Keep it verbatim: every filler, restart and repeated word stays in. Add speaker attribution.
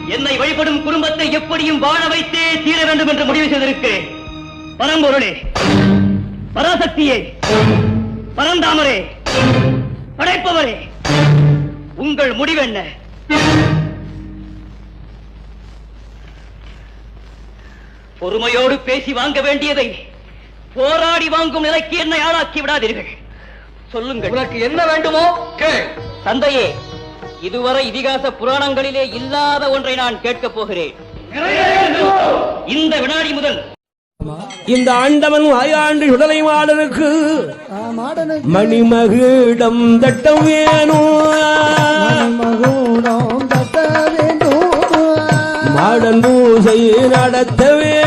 Speaker 1: என்னை வழிபடும் குடும்பத்தை எப்படியும் வாழ வைத்தே தீர வேண்டும் என்று முடிவு செய்திருக்கிறேன். பரம்பொருளே, பராசக்தியே, பரந்தாமரே, படைப்பவரே, உங்கள் முடிவென்ன? பொறுமையோடு பேசி வாங்க வேண்டியதை போராடி வாங்கும் நிலைக்கு என்னை ஆளாக்கி விடாதீர்கள். சொல்லுங்கள்,
Speaker 2: உனக்கு என்ன வேண்டுமோ கேள்.
Speaker 1: தந்தையே, இதுவரை இதிகாச புராணங்களிலே இல்லாத ஒன்றை நான் கேட்கப் போகிறேன். இந்த வினாடி முதல்
Speaker 3: இந்த ஆண்டவன் வாயாண்டு சுடலை மாடனுக்கு மணிமகுடம் தட்டம் வேணும், மாடன் பூசை நடத்த வேண்டும்.